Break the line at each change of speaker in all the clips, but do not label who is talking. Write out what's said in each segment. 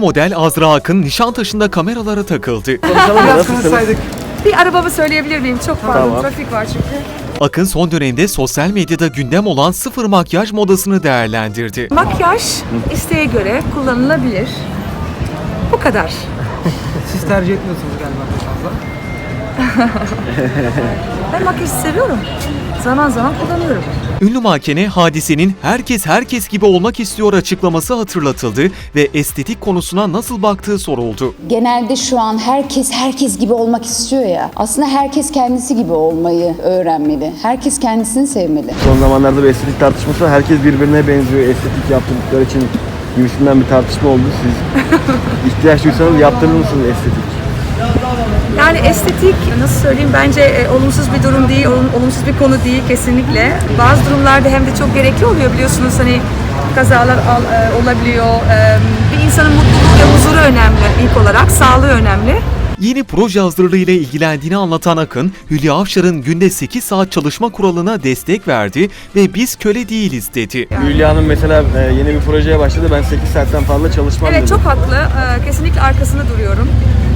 model Azra Akın Nişantaşı'nda kameralara takıldı.
Biraz konuşsaydık.
Bir arabamı söyleyebilir miyim? Çok pardon,
Tamam.
trafik var çünkü.
Akın son dönemde sosyal medyada gündem olan sıfır makyaj modasını değerlendirdi.
Makyaj isteğe göre kullanılabilir. Bu kadar.
Siz tercih etmiyorsunuz galiba pek fazla.
Ben makyajı seviyorum. Zaman zaman kullanıyorum.
Ünlü mankene Hadise'nin herkes gibi olmak istiyor açıklaması hatırlatıldı ve estetik konusuna nasıl baktığı soruldu.
Genelde şu an herkes gibi olmak istiyor ya. Aslında herkes kendisi gibi olmayı öğrenmeli. Herkes kendisini sevmeli.
Son zamanlarda bir estetik tartışması var. Herkes birbirine benziyor estetik yaptırdıkları için gibisinden bir tartışma oldu. Siz ihtiyaç duysanız yaptırır mısınız estetik?
Yani estetik nasıl söyleyeyim bence olumsuz bir durum değil, olumsuz bir konu değil kesinlikle. Bazı durumlarda hem de çok gerekli oluyor biliyorsunuz hani kazalar olabiliyor. Bir insanın mutluluğu ve huzuru önemli ilk olarak, sağlığı önemli.
Yeni proje hazırlığıyla ilgilendiğini anlatan Akın, Hülya Avşar'ın günde 8 saat çalışma kuralına destek verdi ve biz köle değiliz dedi.
Hülya Hanım mesela yeni bir projeye başladı. Ben 8 saatten fazla çalışmam
Evet
dedi.
çok haklı, kesinlikle arkasında duruyorum.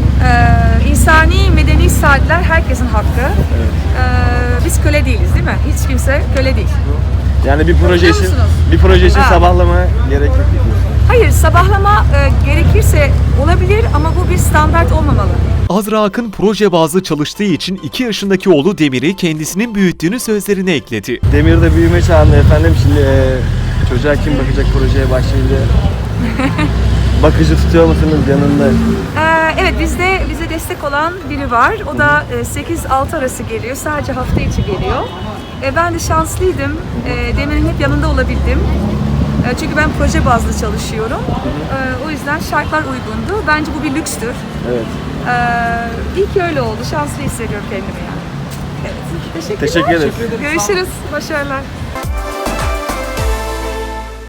İnsani, medeni saatler herkesin hakkı. Biz köle değiliz değil mi? Hiç kimse köle değil.
Yani bir proje
Biliyor
için
musunuz? Ha.
sabahlama gerek yok diyorsun.
Hayır, sabahlama gerekirse olabilir ama bu bir standart olmamalı.
Azra Akın proje bazlı çalıştığı için 2 yaşındaki oğlu Demir'i kendisinin büyüttüğünü sözlerine ekledi.
Demir'de büyüme çağında efendim. Şimdi çocuğa kim bakacak projeye başlayınca? Bakıcı tutuyor musunuz yanında?
Evet, bize destek olan biri var. O da 8-6 arası geliyor. Sadece hafta içi geliyor. Ben de şanslıydım. Demir'in hep yanında olabildim. Çünkü ben proje bazlı çalışıyorum. O yüzden şartlar uygundu. Bence bu bir lükstür.
Evet.
İyi ki öyle oldu. Şanslı hissediyorum kendimi yani. Evet. Teşekkürler.
Teşekkür ederiz.
Görüşürüz. Başarılar.